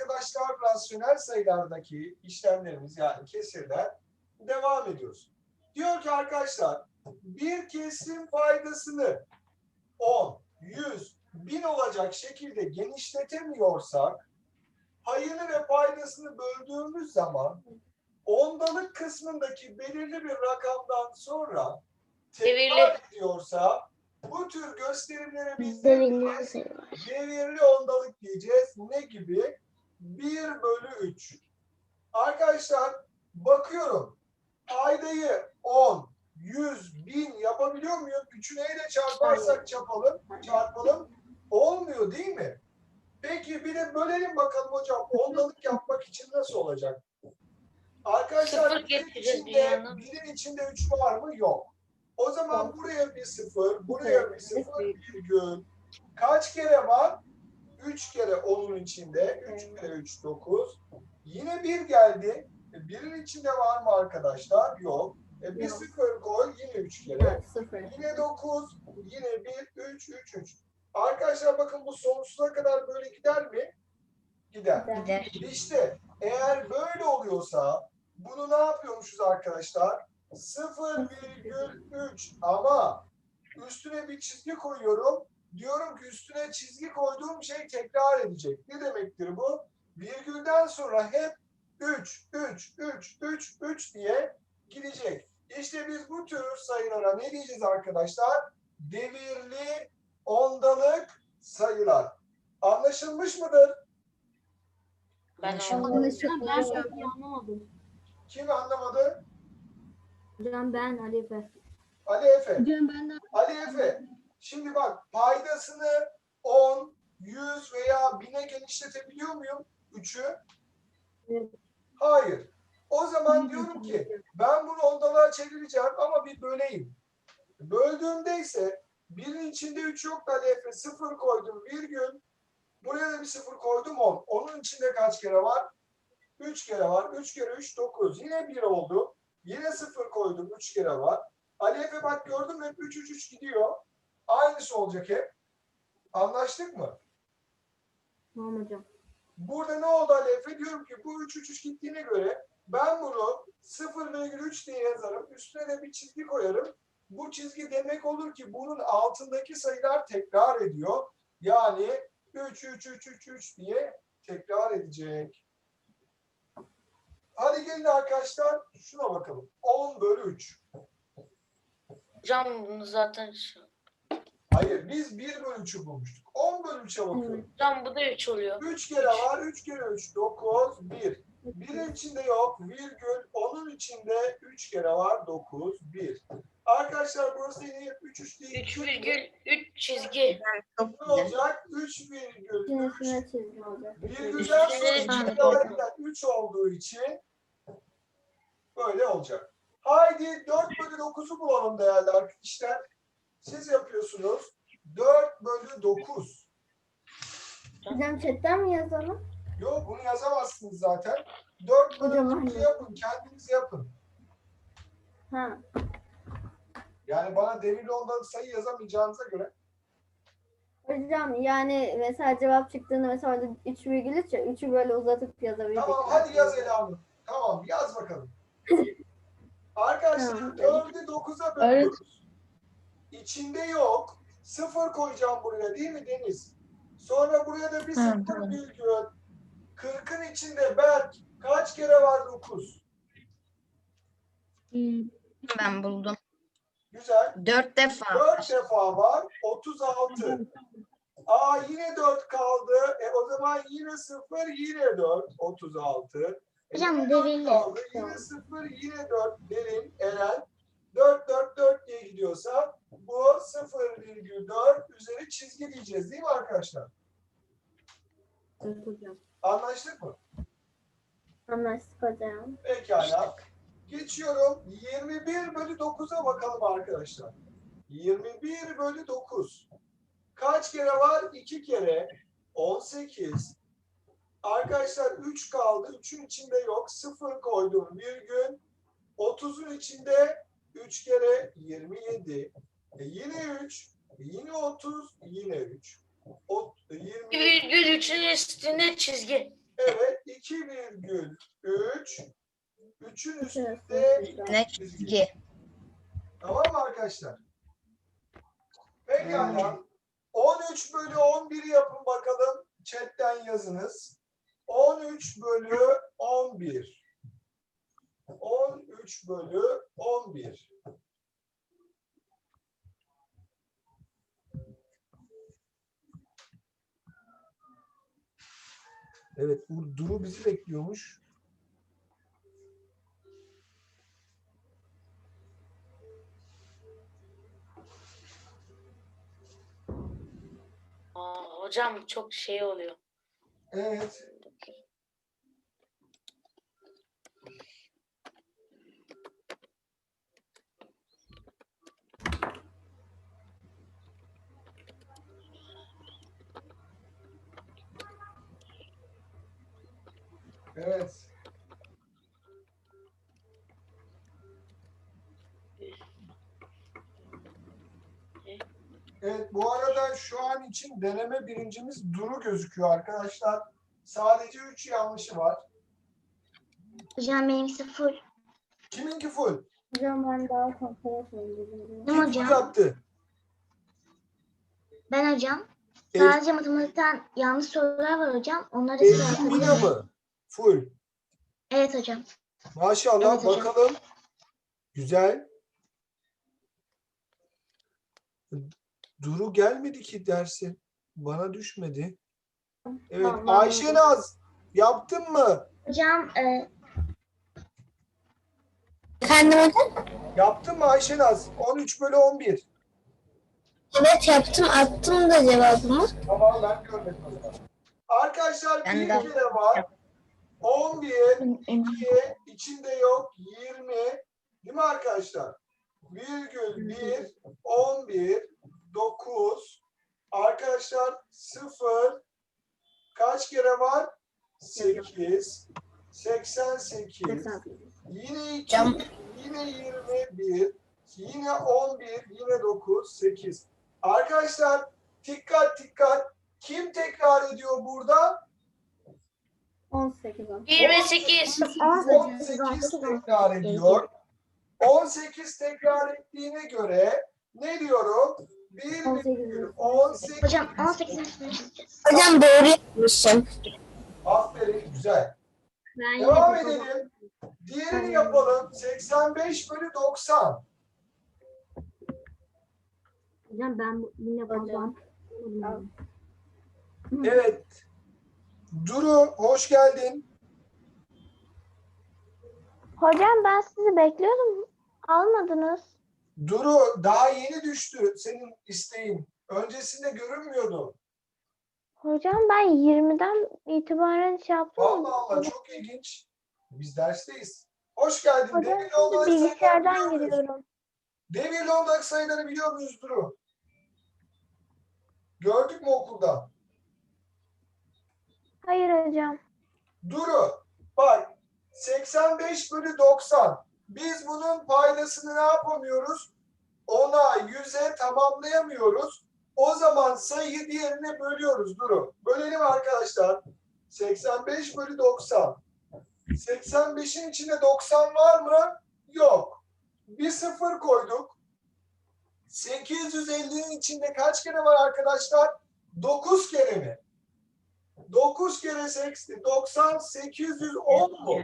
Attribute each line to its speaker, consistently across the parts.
Speaker 1: arkadaşlar rasyonel sayılardaki işlemlerimiz yani kesirden devam ediyoruz. Diyor ki arkadaşlar bir kesirin paydasını 10, 100, 1000 olacak şekilde genişletemiyorsak payını ve paydasını böldüğümüz zaman ondalık kısmındaki belirli bir rakamdan sonra tekrar ediyorsa bu tür gösterimlere biz devirli ondalık diyeceğiz. Ne gibi? 1/3. Arkadaşlar bakıyorum. Paydayı 10, 100, 1000 yapabiliyor muyum? 3'ü neyle çarparsak çarpalım. Olmuyor değil mi? Peki bir de bölelim bakalım hocam. Ondalık yapmak için nasıl olacak? Arkadaşlar birin içinde 3 var mı? Yok. O zaman buraya bir 0, buraya bir 0, virgül. Kaç kere var? 3 kere 10'un içinde. 3 kere 3, 9. Yine 1 geldi. Birin içinde var mı arkadaşlar? Yok. Bir 0 koy. Yine 3 kere. Yine 9. Yine 1, 3, 3, 3. Arkadaşlar bakın bu sonsuza kadar böyle gider mi? Gider. İşte eğer böyle oluyorsa bunu ne yapıyormuşuz arkadaşlar? 0,3 ama üstüne bir çizgi koyuyorum. Diyorum ki üstüne çizgi koyduğum şey tekrar edecek. Ne demektir bu? Virgülden sonra hep 3, 3, 3, 3, 3 diye gidecek. İşte biz bu tür sayılara ne diyeceğiz arkadaşlar? Devirli ondalık sayılar. Anlaşılmış mıdır?
Speaker 2: Ben anlamadım.
Speaker 1: Kim anlamadı?
Speaker 3: Hocam ben Ali Efe.
Speaker 1: Ali Efe.
Speaker 3: Hocam ben de.
Speaker 1: Ali Efe. Şimdi bak paydasını 10, 100 veya 1000'e genişletebiliyor muyum? 3'ü?
Speaker 3: Evet.
Speaker 1: Hayır. O zaman diyorum ki ben bunu ondalığa çevireceğim ama bir böleyim. Böldüğümde ise birin içinde 3 yok da Ali Efe 0 koydum virgül. Buraya da bir 0 koydum 10. Onun içinde kaç kere var? 3 kere var. 3 kere 3 9. Yine 1 oldu. Yine 0 koydum. 3 kere var. Ali Efe bak gördün mü hep 3 3 3 gidiyor. Aynısı olacak hep. Anlaştık mı?
Speaker 3: Tamam hocam.
Speaker 1: Burada ne oldu Ali Efe? Diyorum ki bu 3 3 3 gittiğine göre ben bunu 0,3 diye yazarım. Üstüne de bir çizgi koyarım. Bu çizgi demek olur ki bunun altındaki sayılar tekrar ediyor. Yani 3 3 3 3 3 diye tekrar edecek. Hadi gelin arkadaşlar şuna bakalım. 10/3.
Speaker 2: Hocam bunu zaten
Speaker 1: Hayır biz 1/3'ü bulmuştuk. 10/3'e bakıyorum.
Speaker 2: hocam bu da 3 oluyor.
Speaker 1: 3 kere var. 3 kere 3 9 1. Birin içinde yok. Virgül. Onun içinde 3 kere var. 9 1. Arkadaşlar burası yine 3 3 değil.
Speaker 2: 3,3 çizgi.
Speaker 1: Ne olacak? 3,3.
Speaker 3: Üstüne çizgi olacak.
Speaker 1: Virgülden sonra içinde harbiden 3 olduğu için böyle olacak. Haydi 4/9'u bulalım değerli arkadaşlar. Siz yapıyorsunuz. 4/9.
Speaker 3: Hocam chatten mi yazalım?
Speaker 1: Yok bunu yazamazsınız zaten. 4/9'u yapın. Kendiniz yapın.
Speaker 3: Ha.
Speaker 1: Yani bana devirli ondalık sayı yazamayacağınıza göre.
Speaker 3: Hocam yani mesela cevap çıktığında mesela 3,3 ya 3'ü böyle uzatıp yazabiliriz.
Speaker 1: Tamam hadi yaz Ela'nı. Tamam yaz bakalım. Arkadaşlar
Speaker 3: Tamam.
Speaker 1: 4'ü 9'a bölüyoruz. İçinde yok. 0 koyacağım buraya değil mi Deniz? Sonra buraya da bir 0 virgül. 40'ın içinde Berk kaç kere var 9?
Speaker 4: Ben buldum.
Speaker 1: Güzel.
Speaker 4: 4 defa.
Speaker 1: 4 defa var. 36. Aa yine 4 kaldı. O zaman yine 0 yine 4. 36.
Speaker 4: Hocam,
Speaker 1: Derin kaldı. Yine 0 yine 4 derin Eren. 4 4 4 diye gidiyorsa bu 0,4 üzeri çizgi diyeceğiz değil mi arkadaşlar?
Speaker 3: Evet hocam.
Speaker 1: Anlaştık mı?
Speaker 3: Anlaştık hocam.
Speaker 1: Pekala. Geçiyorum. 21/9'a bakalım arkadaşlar. 21/9. Kaç kere var? 2 kere. 18. Arkadaşlar 3 kaldı. 3'ün içinde yok. 0 koydum. Virgül. 30'un içinde 3 kere 27. Yine 3. Yine 30. Yine 3.
Speaker 2: 1,3'ün üstünde çizgi.
Speaker 1: Evet.
Speaker 3: Şurası.
Speaker 4: çizgi.
Speaker 1: Tamam mı arkadaşlar? Pekala. 13 bölü 11'i yapın bakalım. Chatten yazınız. 13 bölü 11. 13 bölü 11. Evet, Duru bizi bekliyormuş.
Speaker 2: Hocam çok şey oluyor.
Speaker 1: Evet. Evet. Evet, bu arada şu an için deneme birincimiz Duru gözüküyor arkadaşlar. Sadece 3 yanlışı var.
Speaker 5: Hocam benimkisi full.
Speaker 1: Kiminki full?
Speaker 3: Hocam ben daha kontrol edeyim.
Speaker 1: Kim full
Speaker 5: Hocam
Speaker 1: yaptı?
Speaker 5: ben hocam.
Speaker 1: El-
Speaker 5: Sadece matematikten yanlış sorular var hocam. Onları size
Speaker 1: Elif Mina
Speaker 5: yapabilirim.
Speaker 1: mı? Full.
Speaker 5: Evet hocam.
Speaker 1: Maşallah,
Speaker 5: Evet hocam.
Speaker 1: bakalım. Güzel. Duru gelmedi ki derse. Bana düşmedi. Evet,
Speaker 3: Tamam,
Speaker 1: Ayşe Naz yaptın mı?
Speaker 5: Hocam
Speaker 6: Efendim hocam?
Speaker 1: Yaptın mı Ayşe Naz? 13 bölü 11.
Speaker 6: Evet yaptım. Attım da cevabımı.
Speaker 1: Tamam, ben görmedim o zaman. Arkadaşlar
Speaker 4: Ben
Speaker 1: bir
Speaker 4: de.
Speaker 1: kere var. 11, 2, içinde yok, 20. Değil mi arkadaşlar? Virgül 1, 11, 9. Arkadaşlar 0. Kaç kere var? 8. 88. Yine 2,
Speaker 6: Hocam.
Speaker 1: yine 21. Yine 11, yine 9, 8. Arkadaşlar dikkat dikkat. Kim tekrar ediyor burada?
Speaker 3: 18.
Speaker 2: 28.
Speaker 1: 18 tekrar ediyor. 18 tekrar ettiğine göre ne diyorum? 1,18.
Speaker 5: hocam 18'in üstüne çizeceğiz.
Speaker 6: Hocam doğru yapmışım.
Speaker 1: Aferin, güzel.
Speaker 3: Ben
Speaker 1: Devam
Speaker 3: yine
Speaker 1: edelim. Diğerini yapalım. 85 bölü 90.
Speaker 3: Hocam ben yine babam.
Speaker 1: Evet. Duru, hoş geldin.
Speaker 5: Hocam ben sizi bekliyordum. Almadınız.
Speaker 1: Duru, daha yeni düştü senin isteğin. Öncesinde görünmüyordu.
Speaker 5: Hocam ben 20'den itibaren şey yaptım.
Speaker 1: Allah Allah, çok ilginç. Biz dersteyiz. Hoş geldin.
Speaker 5: Hocam
Speaker 1: Devir yolundaki sayıları
Speaker 5: bilgisayardan
Speaker 1: biliyor muyuz?
Speaker 5: giriyorum.
Speaker 1: Devir yolundaki sayıları biliyor muyuz Duru? Gördük mü okulda?
Speaker 5: Hayır hocam.
Speaker 1: Duru, bak 85 bölü 90. Biz bunun paydasını ne yapamıyoruz? 10'a, 100'e tamamlayamıyoruz. O zaman sayıyı diğerine bölüyoruz Duru. Bölelim arkadaşlar. 85 bölü 90. 85'in içinde 90 var mı? Yok. Bir sıfır koyduk. 850'nin içinde kaç kere var arkadaşlar? 9 kere mi? 9 kere 90, 810 mu?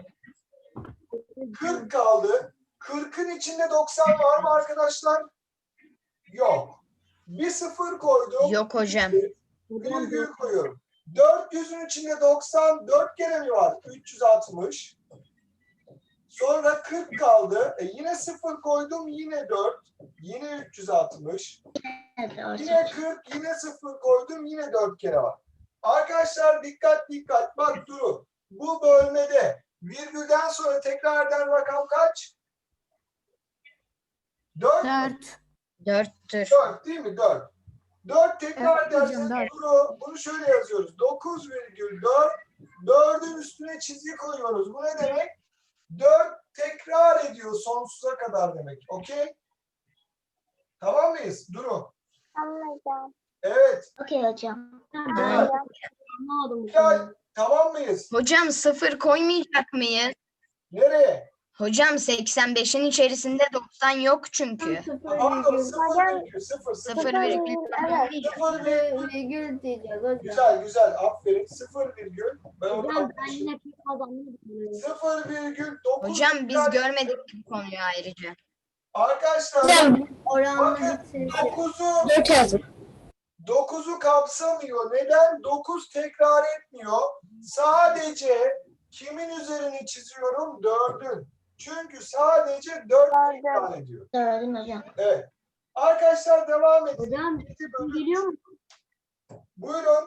Speaker 1: 40 kaldı. 40'ın içinde 90 var mı arkadaşlar? Yok. Bir sıfır koydum.
Speaker 4: Yok hocam.
Speaker 1: Virgül koyuyorum. 400'ün içinde 90 4 kere mi var? 360. Sonra 40 kaldı. Yine 0 koydum. Yine 4. Yine 360.
Speaker 5: Evet hocam.
Speaker 1: Yine 40. Yine 0 koydum. Yine 4 kere var. Arkadaşlar dikkat dikkat. Bak Duru. Bu bölmede virgülden sonra tekrar eden rakam kaç? 4.
Speaker 4: 4'tür.
Speaker 1: 4 değil mi? 4. 4 tekrar
Speaker 6: Evet hocam,
Speaker 1: ederseniz
Speaker 6: dört.
Speaker 1: bunu şöyle yazıyoruz. 9,4. 4'ün üstüne çizgi koyuyoruz. Bu ne demek? 4 tekrar ediyor sonsuza kadar demek. Okey? Tamam mıyız? Duru.
Speaker 5: Tamam hocam.
Speaker 1: Evet.
Speaker 5: Okey hocam.
Speaker 1: Evet.
Speaker 3: Anlamadım.
Speaker 1: Gel. Tamam mıyız?
Speaker 4: Hocam 0 koymayacak mıyız?
Speaker 1: Nereye?
Speaker 4: Hocam 85'in içerisinde 90 yok çünkü.
Speaker 1: Pardon, 0,0.
Speaker 4: 0 virgül.
Speaker 5: Evet.
Speaker 3: 0,0 diyeceğiz hocam.
Speaker 1: Güzel güzel, aferin. 0, ben onu
Speaker 7: Hocam ben
Speaker 1: atmışım.
Speaker 7: yine pek az anlamadım.
Speaker 1: 0,9.
Speaker 4: Hocam biz görmedik bu konuyu ayrıca.
Speaker 1: Arkadaşlar
Speaker 6: Hocam
Speaker 3: Oranla
Speaker 1: bakın
Speaker 3: bitirdi.
Speaker 1: 9'u
Speaker 6: 4 yazdım.
Speaker 1: 9'u kapsamıyor. Neden? 9 tekrar etmiyor. Sadece kimin üzerini çiziyorum? 4'ün. Çünkü sadece 4 tekrar ediyor.
Speaker 6: Gördüm hocam.
Speaker 1: Evet. Arkadaşlar devam edin.
Speaker 7: Hocam
Speaker 1: Yedi
Speaker 7: sesim
Speaker 1: bölü-
Speaker 7: geliyor mu?
Speaker 1: Buyurun.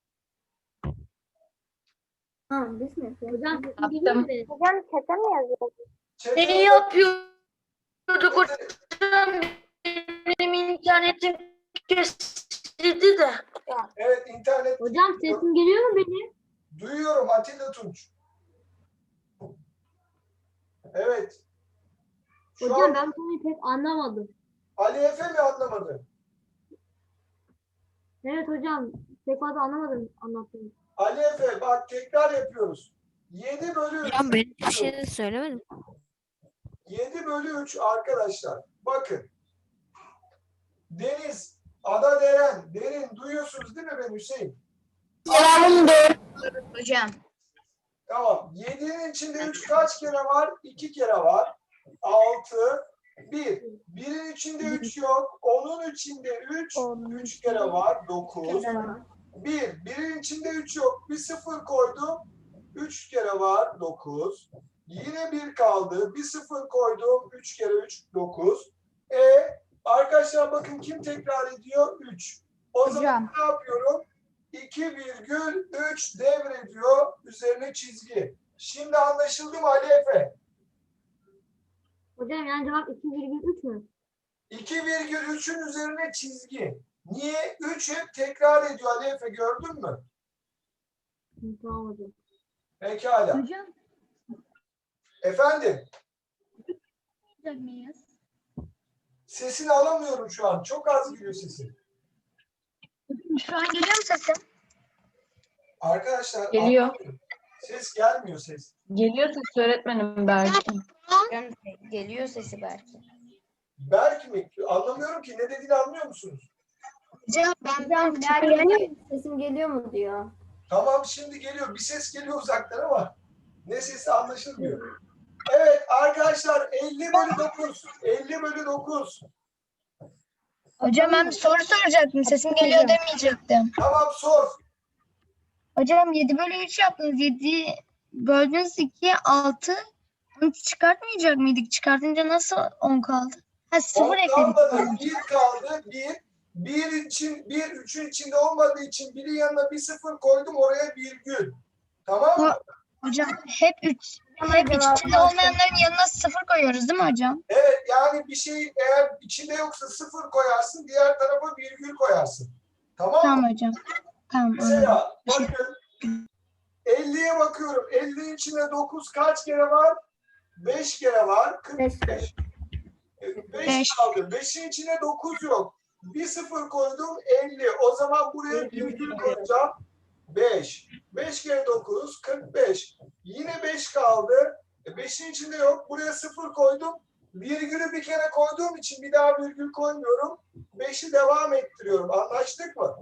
Speaker 3: Ha, biz mi yapıyoruz?
Speaker 7: Hocam sesim geliyor mu benim?
Speaker 5: Hocam çete mi yazıyorsun?
Speaker 1: Çete-
Speaker 2: Ne yapıyorduk hocam? Benim internetim kesildi de.
Speaker 1: Evet, internet
Speaker 7: Hocam sesim geliyor mu benim?
Speaker 1: duyuyorum Atilla Tunç. Evet. Şu
Speaker 7: Hocam
Speaker 1: an
Speaker 7: ben bu konuyu pek anlamadım.
Speaker 1: Ali Efe mi anlamadı?
Speaker 7: Evet hocam pek fazla anlamadım anlattığınız.
Speaker 1: Ali Efe bak, tekrar yapıyoruz. 7 bölü 3.
Speaker 8: Hocam ben bir şey de söylemedim.
Speaker 1: 7 bölü 3 arkadaşlar. Bakın. Deniz, Ada, Derin duyuyorsunuz değil mi ben Hüseyin?
Speaker 6: Cevabım doğru.
Speaker 4: Hocam
Speaker 1: Tamam. 7'nin içinde 3 kaç kere var? 2 kere var. 6, 1. 1'in içinde 3 yok. 10'un içinde 3 kere var. 9. 1'in içinde 3 yok. Bir 0 koydum. 3 kere var. 9. Yine 1 kaldı. Bir 0 koydum. 3 kere 3, 9. Arkadaşlar bakın kim tekrar ediyor? 3. O zaman ne yapıyorum? 2,3 devrediyor. Üzerine çizgi. Şimdi anlaşıldı mı Ali Efe?
Speaker 7: Hocam yani cevap 2,3 mü?
Speaker 1: 2,3'ün üzerine çizgi. Niye? 3 hep tekrar ediyor Ali Efe, gördün mü?
Speaker 7: Hı, tamam hocam.
Speaker 1: Pekala.
Speaker 8: Hocam
Speaker 1: Efendim,
Speaker 8: miyiz?
Speaker 1: sesini alamıyorum şu an. Çok az geliyor sesin.
Speaker 8: Şu an geliyor mu sesim?
Speaker 1: Arkadaşlar
Speaker 9: Geliyor.
Speaker 1: anlamıyorum. Ses gelmiyor ses.
Speaker 9: Geliyor ses öğretmenim belki.
Speaker 4: hocam geliyor sesi belki.
Speaker 1: Berk mi? Anlamıyorum ki. Ne dediğini anlıyor musunuz?
Speaker 4: Hocam
Speaker 3: Hocam belki sesim geliyor mu diyor.
Speaker 1: Tamam, şimdi geliyor. Bir ses geliyor uzaktan ama ne sesi anlaşılmıyor. Evet arkadaşlar, 50 bölü 9. 50 bölü 9.
Speaker 8: Hocam ben bir soru soracaktım. Sesim geliyor demeyecektim.
Speaker 1: Tamam, sor.
Speaker 8: Hocam 7 bölü 3 yaptınız. 7 böldünüz 2, 6. Onu çıkartmayacak mıydık? Çıkartınca nasıl 10 kaldı? Ha 0
Speaker 1: 10
Speaker 8: ekledik.
Speaker 1: kalmadı. 1 kaldı. 1 için, 3'ün içinde olmadığı için birin yanına bir 0 koydum, oraya virgül. Tamam mı?
Speaker 8: Hocam hep içinde olmayanların yanına 0 koyuyoruz değil mi hocam?
Speaker 1: Evet, yani bir şey eğer içinde yoksa 0 koyarsın, diğer tarafa virgül koyarsın. Tamam mı?
Speaker 8: Tamam hocam. Tamam. anladım.
Speaker 1: Mesela bakın 50'ye bakıyorum. 50'nin içinde 9 kaç kere var? 5 kere var. 45. 5
Speaker 8: Beş.
Speaker 1: kaldı. 5'in içinde 9 yok. Bir 0 koydum, 50. O zaman buraya virgül koyacağım. 5. 5 kere 9 45. Yine 5 kaldı. 5'in içinde yok. Buraya 0 koydum. Virgülü bir kere koyduğum için bir daha virgül koymuyorum. 5'i devam ettiriyorum. Anlaştık mı?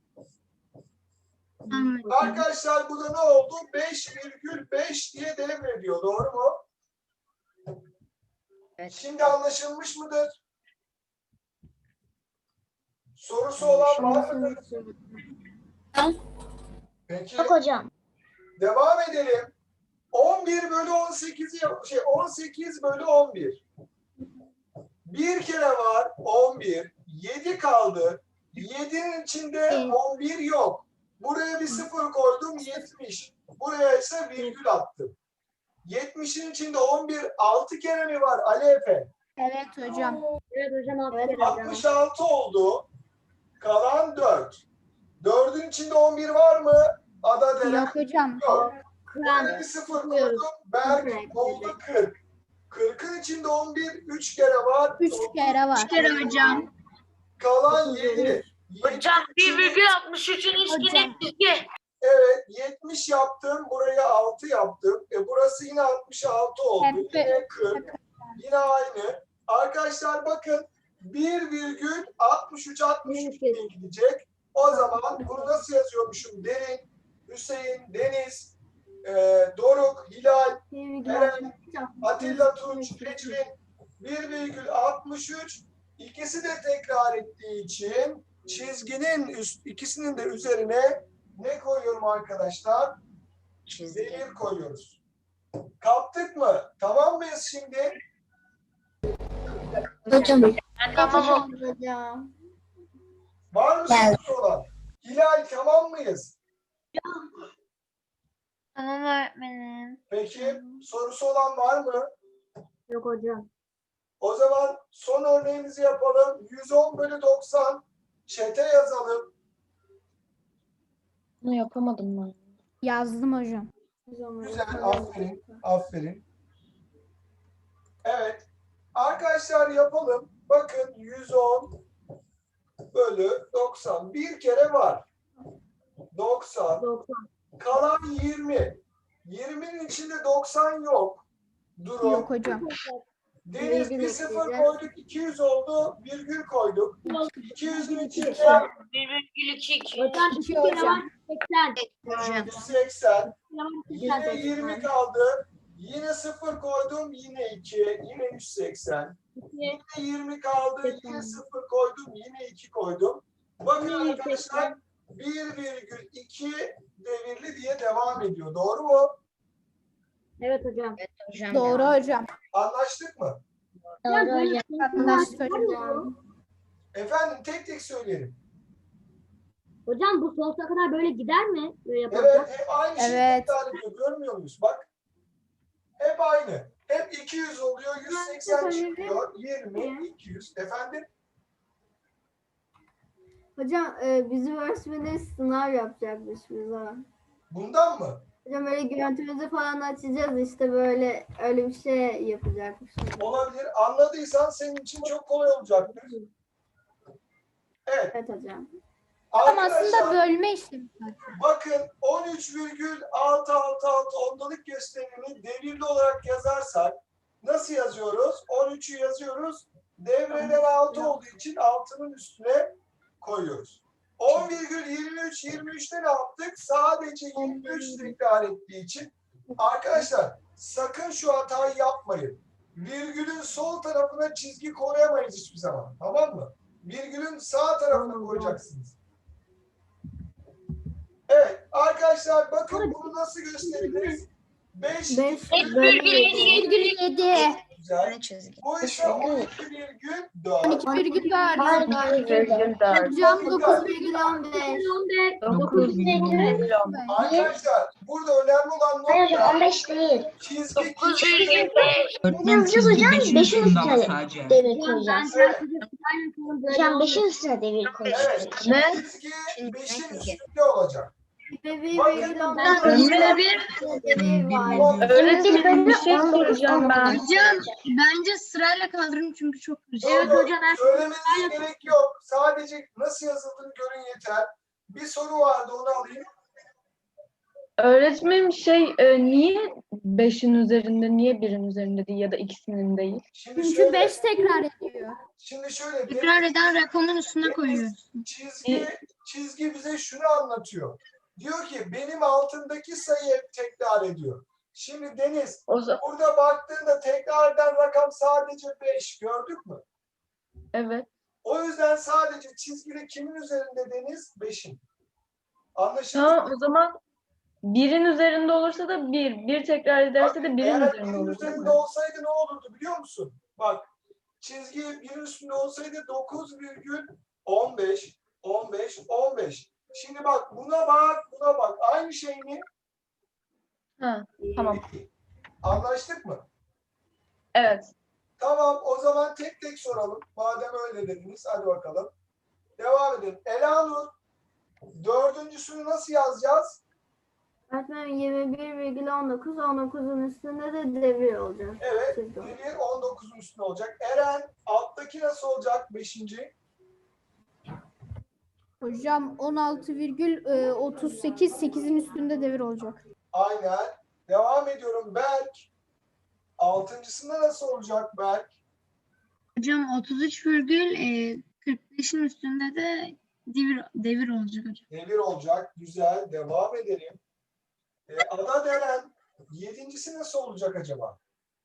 Speaker 8: Anladım.
Speaker 1: Arkadaşlar bu da ne oldu? 5,5 diye devrediyor. Doğru mu?
Speaker 4: Evet.
Speaker 1: Şimdi anlaşılmış mıdır? Sorusu olan var mıdır? Peki.
Speaker 6: Bak hocam.
Speaker 1: Devam edelim. 11 bölü 18'i 18 bölü 11. Bir kere var 11. 7 kaldı. 7'nin içinde 11 yok. Buraya bir 0 koydum, 70. Buraya ise virgül attım. 70'in içinde 11 6 kere mi var Ali Efe?
Speaker 8: Evet hocam.
Speaker 7: Evet hocam 6
Speaker 3: Evet,
Speaker 7: kere hocam.
Speaker 1: 66 oldu. Kalan 4. 4'ün içinde 11 var mı? Ada Deren
Speaker 8: Yok hocam.
Speaker 1: yok.
Speaker 7: Kur'an.
Speaker 1: Bir 0 koydum. Berk oldu 40. 40'ın içinde 11 3 kere var.
Speaker 8: 3 kere var. 3 kere hocam.
Speaker 1: Kalan 7.
Speaker 2: Hocam 1,63'ün üstüne çizgi.
Speaker 1: Evet, 60 yaptım. Burayı 6 yaptım. Burası yine 66 oldu. Yine 40. Yine aynı. Arkadaşlar bakın 1,63 diye gidecek. O zaman bunu nasıl yazıyormuşum? Derin, Hüseyin, Deniz, Doruk, Hilal, Eren, Atilla Tunç, Ecrin 1,63. İkisi de tekrar ettiği için çizginin ikisinin de üzerine ne koyuyorum arkadaşlar? Devir koyuyoruz. Kaptık mı? Tamam mıyız şimdi?
Speaker 6: Hocam.
Speaker 2: Tamam.
Speaker 3: Hocam.
Speaker 1: Var mı sorusu olan? Hilal tamam mıyız?
Speaker 8: Tamam öğretmenim.
Speaker 1: Peki sorusu olan var mı?
Speaker 7: Yok hocam.
Speaker 1: O zaman son örneğimizi yapalım. 110/90 çete yazalım.
Speaker 9: Bunu yapamadım ben.
Speaker 5: Yazdım hocam.
Speaker 1: Güzel, aferin, aferin. Evet, arkadaşlar yapalım. Bakın 110/90 bir kere var. 90,
Speaker 7: 90.
Speaker 1: kalan 20. 20'nin içinde 90 yok. Durun.
Speaker 5: Yok hocam.
Speaker 1: Deniz
Speaker 3: Virgül
Speaker 1: bir sıfır
Speaker 3: ekleyeceğiz.
Speaker 1: koyduk, 200 oldu, virgül koyduk. 200'ün içinde
Speaker 2: 1,2.
Speaker 7: Hocam 2 kere var 80.
Speaker 1: 180. Yine
Speaker 7: 80.
Speaker 1: 20 kaldı. Yine 0 koydum. Yine 2. Yine 180. Yine 20 kaldı. Yine 0 koydum. Yine 2 koydum. Bakın arkadaşlar 1,2 devirli diye devam ediyor. Doğru mu?
Speaker 7: Evet hocam.
Speaker 5: Doğru hocam.
Speaker 1: Anlaştık mı?
Speaker 7: Hocam böyle
Speaker 5: Anlaştık hocam.
Speaker 7: hocam.
Speaker 1: Efendim tek tek söyleyelim.
Speaker 7: Hocam bu sonsuza kadar böyle gider mi? Böyle
Speaker 1: Evet,
Speaker 7: yaparsak.
Speaker 1: hep aynı şeyi
Speaker 5: Evet.
Speaker 1: tekrar ediyor. Görmüyor muyuz? Bak. Hep aynı. Hep 200 oluyor. 180 çıkıyor. 20, 200. Efendim?
Speaker 3: Hocam bizim öğretmenimiz sınav yapacakmış bize.
Speaker 1: Bundan mı?
Speaker 3: Hocam böyle görüntümüzü falan açacağız işte böyle öyle bir şey yapacakmış.
Speaker 1: Olabilir. Anladıysan senin için çok kolay olacaktır. Evet.
Speaker 3: Evet hocam.
Speaker 5: Ama aslında
Speaker 1: Arkadaşlar
Speaker 5: bölme işlemi.
Speaker 1: bakın 13,666 ondalık gösterimini devirli olarak yazarsak nasıl yazıyoruz? 13'ü yazıyoruz. Devreden 6 olduğu için 6'nın üstüne koyuyoruz. 10,23'te ne yaptık? Sadece 23 tekrar ettiği için arkadaşlar sakın şu hatayı yapmayın. Virgülün sol tarafına çizgi koyamayız hiçbir zaman. Tamam mı? Virgülün sağ tarafına koyacaksınız. Evet arkadaşlar bakın bunu nasıl gösteririz? 5
Speaker 3: 5
Speaker 5: 7.
Speaker 1: güzel.
Speaker 4: Çizgi.
Speaker 1: Bu ise 12,4.
Speaker 5: 12,4. Hocam 9,15.
Speaker 7: 15.
Speaker 1: Arkadaşlar burada önemli olan
Speaker 6: Hayır hocam
Speaker 1: nokta
Speaker 6: 15 değil.
Speaker 1: çizgi
Speaker 2: 9,5.
Speaker 6: Ne yazacağız hocam? 5'in üstüne
Speaker 10: sadece.
Speaker 6: devir
Speaker 7: Hocam ben
Speaker 6: koyacağız. Hocam 5'in üstüne devir koyacağız.
Speaker 1: Evet.
Speaker 9: Ne?
Speaker 1: Çizgi 5'in üstünde olacak.
Speaker 9: Öğretmenim bir şey soracağım ben.
Speaker 8: Hocam bence sırayla kaldırın çünkü çok karışık.
Speaker 7: Evet hocam.
Speaker 1: Söylemenize gerek yok. Sadece nasıl yazıldığını görün yeter. Bir soru vardı onu alayım.
Speaker 9: Öğretmenim niye 5'in üzerinde, niye 1'in üzerinde değil ya da ikisinin değil?
Speaker 1: Şimdi
Speaker 5: Çünkü
Speaker 1: şöyle,
Speaker 5: 5 tekrar ediyor.
Speaker 1: şimdi şöyle
Speaker 8: Tekrar eden rakamın üstüne koyuyoruz.
Speaker 1: çizgi bize şunu anlatıyor. Diyor ki benim altındaki sayı hep tekrar ediyor. Şimdi Deniz
Speaker 9: O zaman
Speaker 1: burada baktığında tekrar eden rakam sadece 5. Gördük mü?
Speaker 9: evet.
Speaker 1: O yüzden sadece çizgide kimin üzerinde Deniz? 5'in. Anlaşıldı mı?
Speaker 9: Tamam o zaman 1'in üzerinde olursa da 1. 1 tekrar ederse de 1'in
Speaker 1: Eğer
Speaker 9: üzerinde
Speaker 1: birin
Speaker 9: olur.
Speaker 1: üzerinde olsaydı ne olurdu biliyor musun? Bak çizgi birin üstünde olsaydı 9,15 15 15. Şimdi bak buna bak. Aynı şey mi?
Speaker 9: Ha, tamam.
Speaker 1: Anlaştık mı?
Speaker 9: Evet.
Speaker 1: Tamam o zaman tek tek soralım. Madem öyle dediniz hadi bakalım. Devam edelim. Elanur dördüncüsünü nasıl yazacağız?
Speaker 3: Öğretmenim 21,19 19'un üstünde de devir olacak.
Speaker 1: Evet.
Speaker 3: Çizgi.
Speaker 1: Devir 19'un üstünde olacak. Eren alttaki nasıl olacak? 5.
Speaker 10: Hocam 16,38 8'in üstünde devir olacak.
Speaker 1: Aynen. Devam ediyorum. Berk. Altıncısında nasıl olacak Berk?
Speaker 8: Hocam 33,45'in üstünde de devir olacak hocam.
Speaker 1: Devir olacak. Güzel. Devam edelim. Ada Deren. Yedincisi nasıl olacak acaba?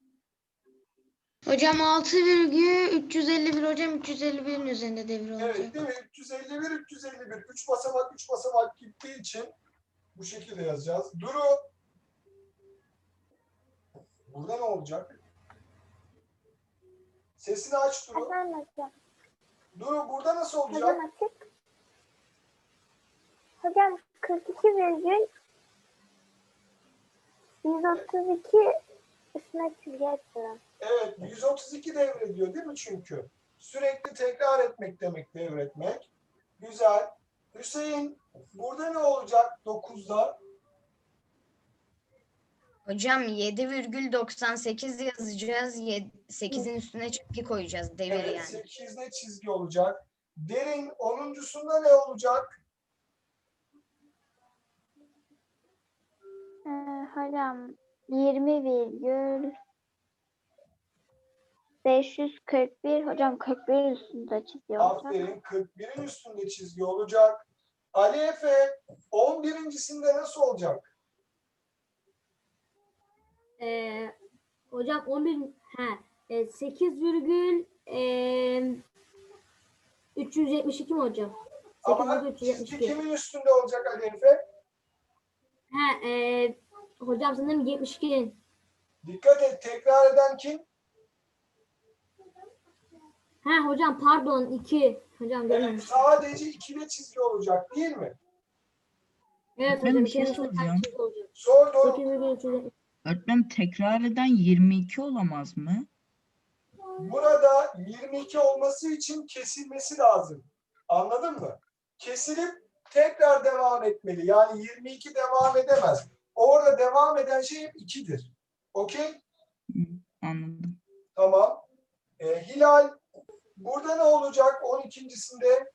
Speaker 6: Hocam 6,351 hocam 351'in üzerinde devir olacak.
Speaker 1: Evet değil mi? 351, 351. 3 basamak, 3 basamak gittiği için bu şekilde yazacağız. Duru. Burada ne olacak? Sesini aç Duru.
Speaker 5: Efendim hocam.
Speaker 1: Duru burada nasıl olacak?
Speaker 5: Hocam açık. Hocam 42,132 üstüne çizgi açıyorum.
Speaker 1: Evet, 132 devrediyor değil mi çünkü? Sürekli tekrar etmek demek devretmek. Güzel. Hüseyin, burada ne olacak 9'da?
Speaker 4: Hocam 7,98 yazacağız. 8'in üstüne çizgi koyacağız. Devir
Speaker 1: Evet,
Speaker 4: yani.
Speaker 1: 8'de çizgi olacak. Derin, 10'uncusunda ne olacak?
Speaker 5: Hocam 20,541 hocam 41 üstünde çizgi olacak.
Speaker 1: Aferin, 41'in üstünde çizgi olacak. Ali Efe, 11'incisinde nasıl olacak?
Speaker 7: Hocam 8,372 mi hocam?
Speaker 1: Ama çizgi
Speaker 7: 8,372.
Speaker 1: kimin üstünde olacak Ali Efe?
Speaker 7: Hocam sanırım 72'nin.
Speaker 1: Dikkat et, tekrar eden kim?
Speaker 7: Hocam pardon 2. Hocam
Speaker 1: Evet,
Speaker 7: görmemiş.
Speaker 1: sadece 2'de çizgi olacak değil mi?
Speaker 7: Evet
Speaker 11: Ben
Speaker 7: hocam
Speaker 11: bir şey
Speaker 7: 2'nin üstünde
Speaker 11: soracağım.
Speaker 7: çizgi olacak.
Speaker 1: Sor doğru.
Speaker 7: 8,372.
Speaker 11: Öğretmenim tekrar eden 22 olamaz mı?
Speaker 1: Burada 22 olması için kesilmesi lazım. Anladın mı? Kesilip tekrar devam etmeli. Yani 22 devam edemez. Orada devam eden şey hep 2'dir. Okey?
Speaker 11: Anladım.
Speaker 1: Tamam. Hilal, burada ne olacak 12'ncisinde?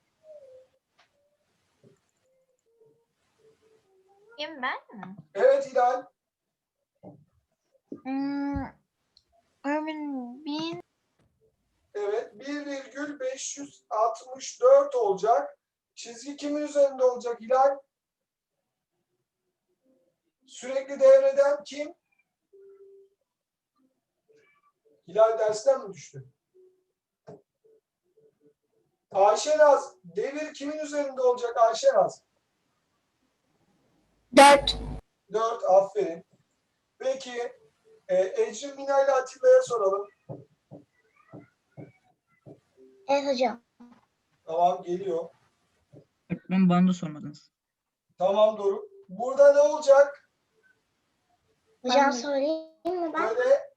Speaker 4: Kim ben mi?
Speaker 1: Evet Hilal.
Speaker 8: Öğretmenim
Speaker 1: Evet. 1,564 olacak. Çizgi kimin üzerinde olacak Hilal? Sürekli devreden kim? Hilal dersten mi düştü? Ayşenaz, devir kimin üzerinde olacak Ayşenaz?
Speaker 8: 4.
Speaker 1: 4, aferin. Peki, Ecrin Mina ile Atilla'ya soralım.
Speaker 6: Evet hocam.
Speaker 1: Tamam, geliyor.
Speaker 11: Öğretmenim bana da sormadınız.
Speaker 1: Tamam Doruk. Burada ne olacak?
Speaker 6: Hocam söyleyeyim mi ben?
Speaker 1: Böyle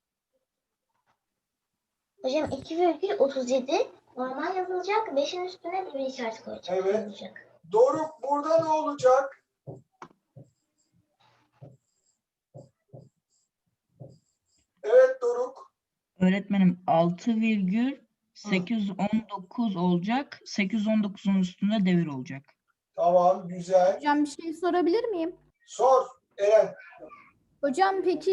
Speaker 6: Hocam 2,37 normal yazılacak. 5'in üstüne de bir işaret koyacak.
Speaker 1: Evet.
Speaker 6: Yazılacak.
Speaker 1: Doruk, burada ne olacak? Evet Doruk.
Speaker 11: Öğretmenim 6,819 olacak. 819'un üstünde devir olacak.
Speaker 1: Tamam, güzel.
Speaker 10: Hocam bir şey sorabilir miyim?
Speaker 1: Sor Eren.
Speaker 10: Hocam peki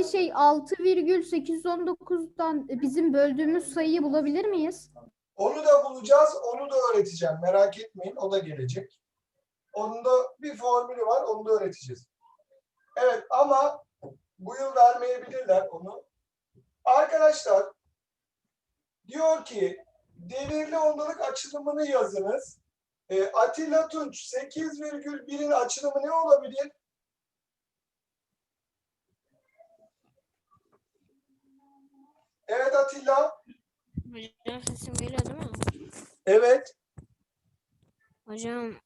Speaker 10: 6,819'dan bizim böldüğümüz sayıyı bulabilir miyiz?
Speaker 1: Onu da bulacağız, onu da öğreteceğim. Merak etmeyin, o da gelecek. Onun da bir formülü var, onu da öğreteceğiz. Evet ama bu yıl vermeyebilirler onu. Arkadaşlar, diyor ki devirli ondalık açılımını yazınız. Atilla Tunç 8,1'in açılımı ne olabilir? Evet Atilla.
Speaker 2: Hocam sesim geliyor değil mi?
Speaker 1: Evet.
Speaker 2: Hocam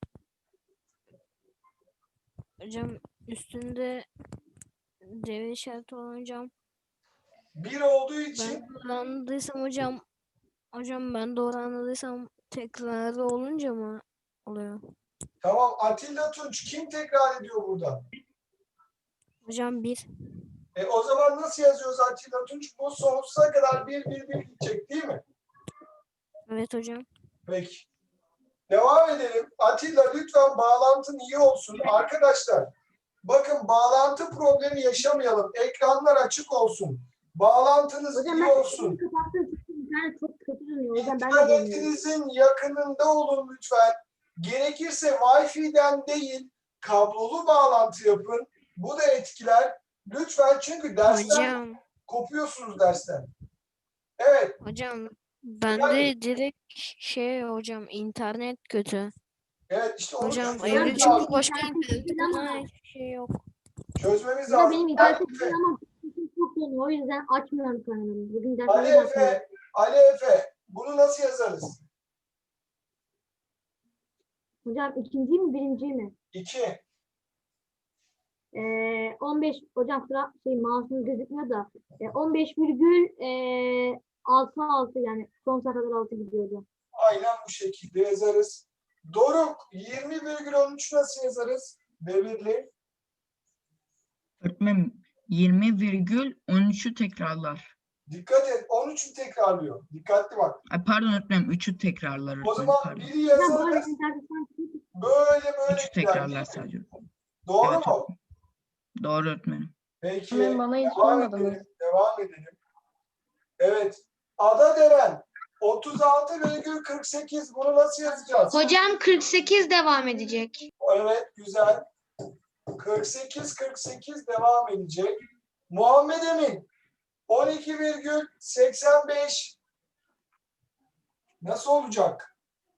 Speaker 2: üstünde devir işareti olan hocam.
Speaker 1: 1 olduğu için
Speaker 2: Ben doğru anladıysam ben doğru anladıysam tekrarı olunca mı oluyor?
Speaker 1: tamam Atilla Tunç kim tekrar ediyor burada?
Speaker 2: Hocam 1.
Speaker 1: O zaman nasıl yazıyoruz Atilla Tunç? Bu sonsuza kadar 1 gidecek değil mi?
Speaker 2: Evet hocam.
Speaker 1: Peki. Devam edelim. Atilla lütfen bağlantın iyi olsun. Arkadaşlar bakın bağlantı problemi yaşamayalım. Ekranlar açık olsun. Bağlantınız
Speaker 7: Hocam
Speaker 1: iyi
Speaker 7: ben
Speaker 1: olsun.
Speaker 7: kapattım. İnternet çok kötü dönüyor. O yüzden ben de demiyorum.
Speaker 1: İnternetinizin yakınında olun lütfen. Gerekirse Wi-Fi'den değil, kablolu bağlantı yapın. Bu da etkiler. Lütfen çünkü dersten
Speaker 2: Hocam,
Speaker 1: kopuyorsunuz dersten. Evet.
Speaker 2: hocam bende direkt hocam internet kötü.
Speaker 1: Evet işte onu
Speaker 2: Hocam
Speaker 1: çözmemiz
Speaker 2: evde
Speaker 1: lazım.
Speaker 2: çünkü başka
Speaker 7: İnternet
Speaker 2: internet
Speaker 7: kötü ama-
Speaker 2: hiçbir şey yok.
Speaker 1: Çözmemiz
Speaker 7: Hocam
Speaker 1: lazım.
Speaker 7: benim internetim kötü ama sesim çok dönüyor. O yüzden açmıyorum kanalımı. Bugün
Speaker 1: Ali
Speaker 7: dersleri açmadım.
Speaker 1: Efe, Ali Efe, bunu nasıl yazarız?
Speaker 7: Hocam ikinci mi birinci mi?
Speaker 1: 2.
Speaker 7: 15 hocam sıra mouse'un gözükmüyor da 15,66 yani sonsuza kadar 6 gidiyor hocam.
Speaker 1: Aynen bu şekilde yazarız. Doruk, 20,13 nasıl yazarız? Devirli.
Speaker 11: Öğretmenim 20,13'ü tekrarlar.
Speaker 1: Dikkat et, 13'ü tekrarlıyor. Dikkatli bak.
Speaker 11: Ay pardon öğretmenim 3'ü tekrarlar
Speaker 1: O
Speaker 11: öğretmenim
Speaker 1: zaman
Speaker 11: pardon.
Speaker 1: biri
Speaker 7: Hocam bu arada
Speaker 1: yazarız,
Speaker 7: internetten
Speaker 1: böyle
Speaker 11: 3'ü
Speaker 1: gider.
Speaker 11: tekrarlar sadece.
Speaker 1: Doğru
Speaker 11: Evet,
Speaker 1: mu?
Speaker 11: Doğru öğretmenim.
Speaker 1: Peki,
Speaker 9: Öğretmenim, bana hiç
Speaker 1: devam
Speaker 9: sormadınız.
Speaker 1: edelim. Devam edelim. Evet. Adaderen 36,48 bunu nasıl yazacağız?
Speaker 8: Hocam 48 devam edecek.
Speaker 1: Evet, güzel. 48 devam edecek. Muhammed Emin 12,85 nasıl olacak?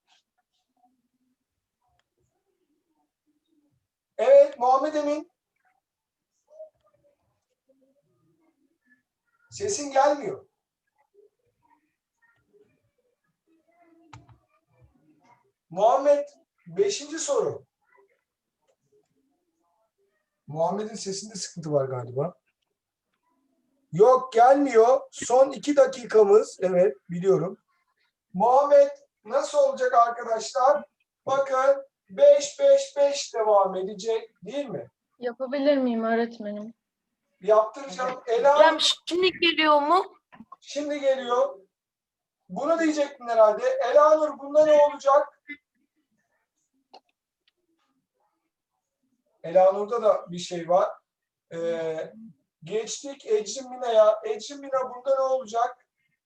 Speaker 1: Evet, Muhammed Emin. Sesin gelmiyor. Muhammed, 5. soru. Muhammed'in sesinde sıkıntı var galiba. Yok, gelmiyor. Son 2 dakikamız. Evet, biliyorum. Muhammed nasıl olacak arkadaşlar? Bakın 5 devam edecek değil mi?
Speaker 9: Yapabilir miyim öğretmenim?
Speaker 1: Yaptıracağım. Ela
Speaker 2: Şimdi geliyor mu?
Speaker 1: şimdi geliyor. Bunu diyecektin herhalde. Elanur bunda ne olacak? Elanur'da da bir şey var. Geçtik Ecrin Mina'ya. Ecrin Mina bunda ne olacak?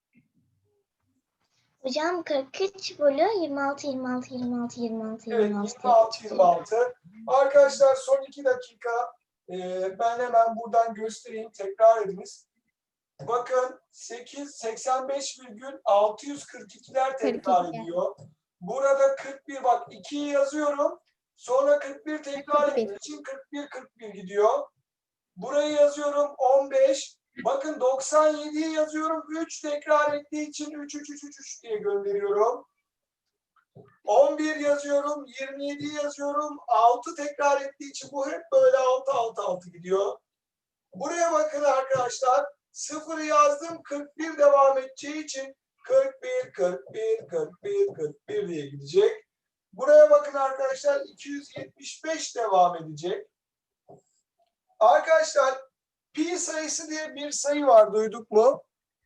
Speaker 6: Hocam 43 bölü 26, 26, 26, 26,
Speaker 1: Evet,
Speaker 6: 26.
Speaker 1: 26. Arkadaşlar son 2 dakika. Ben hemen buradan göstereyim. Tekrar ediniz. Bakın 85,642'ler tekrar ediyor. Burada 41 bak 2'yi yazıyorum. Sonra 41 tekrar ettiği için 41 gidiyor. Burayı yazıyorum 15. Bakın 97'yi yazıyorum. 3 tekrar ettiği için 3 diye gönderiyorum. 11 yazıyorum. 27'yi yazıyorum. 6 tekrar ettiği için bu hep böyle 6 gidiyor. Buraya bakın arkadaşlar. 0'ı yazdım. 41 devam edeceği için 41 diye gidecek. Buraya bakın arkadaşlar. 275 devam edecek. Arkadaşlar pi sayısı diye bir sayı var. Duyduk mu?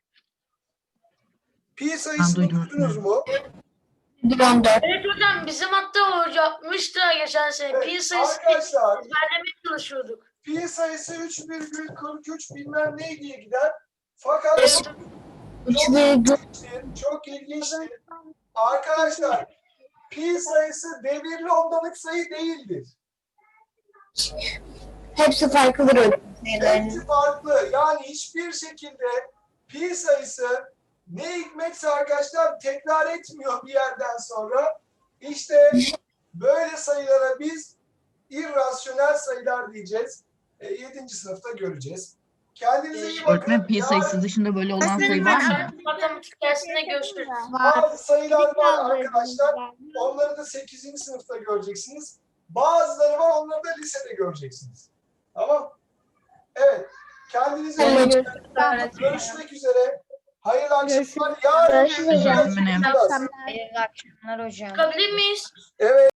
Speaker 1: Pi sayısını
Speaker 11: duydum.
Speaker 1: duydunuz mu?
Speaker 12: Evet hocam bizim hatta yapmıştı geçen sene.
Speaker 1: Evet,
Speaker 12: Pi sayısı
Speaker 1: arkadaşlar
Speaker 12: ezberlemeye çalışıyorduk.
Speaker 1: pi sayısı 3,43 bilmem ne diye gider. Fakat çok ilginçtir. Arkadaşlar pi sayısı devirli ondalık sayı değildir.
Speaker 8: Hepsi farklıdır.
Speaker 1: Hepsi farklı. Yani hiçbir şekilde pi sayısı ne hikmetse arkadaşlar tekrar etmiyor bir yerden sonra. İşte böyle sayılara biz irrasyonel sayılar diyeceğiz. 7. sınıfta göreceğiz. Kendinize iyi bakın.
Speaker 11: Öğretmenim pi sayısı dışında böyle olan sayı var mı?
Speaker 12: Matematik dersinde görüşürüz.
Speaker 1: Bazı sayılar var arkadaşlar. Onları da 8. sınıfta göreceksiniz. Bazıları var, onları da lisede göreceksiniz. Tamam. Evet. Kendinize iyi bakın. Görüşmek üzere. Hayırlı akşamlar. Yarın
Speaker 8: Görüşürüz hocam.
Speaker 11: Öğretmenim.
Speaker 4: Hayırlı akşamlar hocam.
Speaker 12: Çıkabilir miyiz?
Speaker 1: Evet.